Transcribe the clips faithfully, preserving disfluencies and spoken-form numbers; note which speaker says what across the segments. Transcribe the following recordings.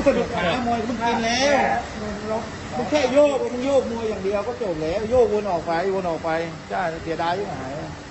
Speaker 1: กระดูกขามวยมึงกินแล้วมึงแค่โยกมึงโยกมวยอย่างเดียวก็จบแล้วโยกวนออกไปวนออกไปใช่เสียดายยิ่งหาย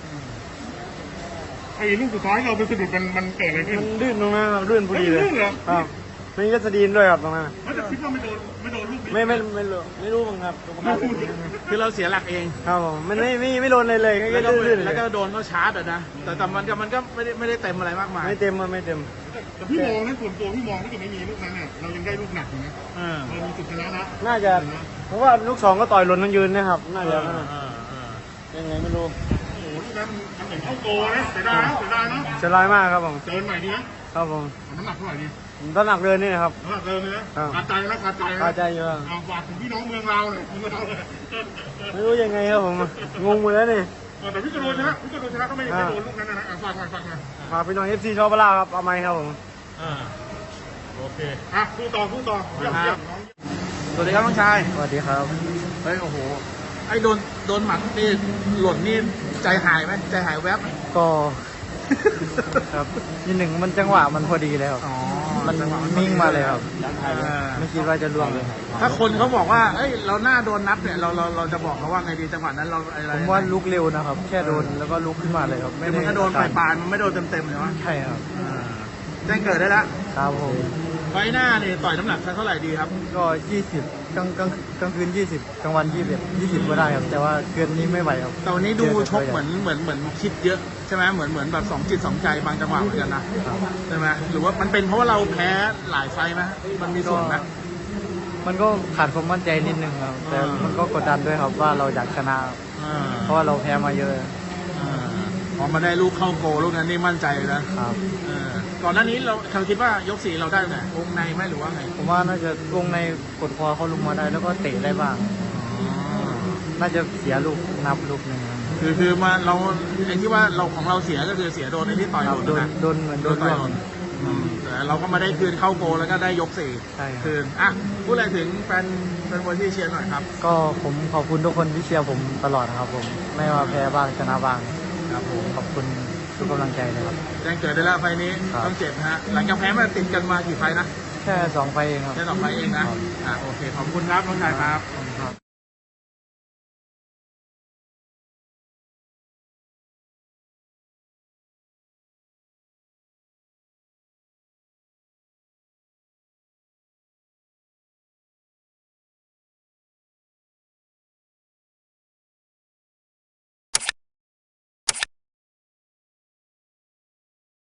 Speaker 2: ไอ้ลูกสุดท้ายเราไปสะดุดมันมันเกิดอะไรขึ้น
Speaker 3: มันลื่นตรงนั้นครับลื่นพอดีเลย
Speaker 2: ลื่นเหรอ
Speaker 3: ครับมีกัสดีนด้วยครับตรงนั้น
Speaker 2: เขาจะคิดว่าไม่โดนไม่โดนลูกนี้
Speaker 3: ไม่ไม่ไม่รู้ไม่รู้มั้งครับ
Speaker 1: คือเราเสียหลักเอง
Speaker 3: ครับผมมันไม่ไม่ไม่โดนเลยเลยแค่ลื่น
Speaker 1: แล้วก็โดนเขาชาร์จอ่ะนะแต่แต่มันก็มันก็ไม่ได้ไม่ได้เต็มอะไรมากมาย
Speaker 3: ไม่เต็มมันไม่เต็ม
Speaker 2: แต่พี่มองนั้นส่วนตัวพี่มองถ้าเกิดไม่มีลูกนั้นเนี่ยเรายังได้ลูกหนักอยู่นะเรามีจุดชนะนะ
Speaker 3: น่าจะเพราะว่าลูกสองก็ต่อยหล่นทั้งยืนนะครับน่าจะยังไงไม่รู้
Speaker 2: โอ้โหลูกนั้นมันเหมือนเข้าโกนะเสียดายนะเสียดายนะ
Speaker 3: เสียดายมากครับผม
Speaker 2: เดินใหม่ดีนะครับ
Speaker 3: ผม
Speaker 2: น้ำหนักเท่าไหร่ดี
Speaker 3: น้ำหนักเดินนี่นะครับ
Speaker 2: น้ำหนักเดินเลยนะขาดใจนะขาดใจนะ
Speaker 3: ขาดใจเยอะ
Speaker 2: เอาฝากถึงพี่น้องเมืองเราเลยเมืองเราเลย
Speaker 3: ไม่รู้ยังไงครับผมงงหมดแล้วนี่
Speaker 2: แต่พี่กระโดดชนะพี่กระโดดชนะก็ไม่ไม่โดนลูกนั้นนะฝากฝากฝากนะ
Speaker 3: ฝากพี่น้องเอฟซีชอบปลาครับเอาไม้ครับผม
Speaker 2: อ่าโอเคอ่ะคู่ต่อคู่ต่อเยี่ยมเยี่ยม
Speaker 1: สวัสดีครับน้องชาย
Speaker 3: สวัสดีครับ
Speaker 1: เฮ้ยโอ้โหไอ้โดนโดนหมัดนี่หล่นนี่ใจหายไหมใจหายแวบ
Speaker 3: ก็ครับนิดหนึ่งมันจังหวะมันพอดีเลยครับมันนิ่งมาเลยครับไม่คิดว่าจะล่วงเลย
Speaker 1: ถ้าคนเขาบอกว่าเอ้ยเราหน้าโดนนับเนี่ยเราเราเราจะบอกเขาว่าไงดีจังหวะนั้นเราอะไร
Speaker 3: ผมว่าลุกเร็วนะครับแค่โดนแล้วก็ลุกขึ้นมาเลยครับ
Speaker 1: ไม่ได้โดนปลายปลายมันไม่โดนเต็มเต็มใช่ไหม
Speaker 3: ใช่ครับ
Speaker 1: แจ้งเกิดได้แล้ว
Speaker 3: ครับผม
Speaker 1: ไฟหน้าเนี่ยต่อยน้ำหนักเท่าไหร่ดีครับ
Speaker 3: ก็ยี่สิบกลางกลางกลางคืนยี่สิบกลางวันยี่สิบยี่สิบก็ได้ครับแต่ว่าเกินนี้ไม่ไหวครับ
Speaker 1: แต่วันนี้ดูชกเหมือนเหมือนเหมือนคิดเยอะใช่ไหมเหมือนเหมือนแบบสองจิตสองใจบางจังหวะเหมือนกันนะใช่ไหมหรือว่ามันเป็นเพราะว่าเราแพ้หลายไฟไหมมันมีส่วนไหม
Speaker 3: มันก็ขาดความมั่นใจนิดนึงครับแต่มันก็กดดันด้วยครับว่าเราอยากชนะเพราะว่าเราแพ้มาเยอะ
Speaker 1: พอมาได้ลูกเข้าโกลูกนั้นนี่มั่นใจนะครับก่อนหน้านี้เราเขาคิดว่ายกสี่เราได้ไหมวงในไหมหรือว่าไง
Speaker 3: ผมว่าน่าจะวงในกดคอเขาลงมาได้แล้วก็เตะได้บ้างน่าจะเสียลูกนับลูกหนึ่ง
Speaker 1: คือคือมาเราไอ้ที่ว่าเราของเราเสียก็คือเสียโดนในที่ต่อยโดนนะ
Speaker 3: โดนเหมือนโดนต่อย
Speaker 1: แต่เราก็มาได้คืนเข้าโกแล้วก็ได้ยกสี่คืนอ่ะพูดอะไรถึงแฟนแฟนบอลที่เชียร์หน่อยครับ
Speaker 3: ก็ผมขอบคุณทุกคนที่เชียร์ผมตลอดนะครับผมไม่ว่าแพ้บ้างชนะบ้าง
Speaker 1: ครับผม
Speaker 3: ขอบคุณทุกกำลังใจเลยครับ
Speaker 1: แจ้งเกิดได้แล้วไฟนี้ต้องเจ็บฮะหลังจากแพ้มาติดกันมากี่ไฟนะ
Speaker 3: แค่สองไฟเองครับ
Speaker 1: แค่สองไฟเองนะอ่าโอเคขอบคุณครับน้องชายครับ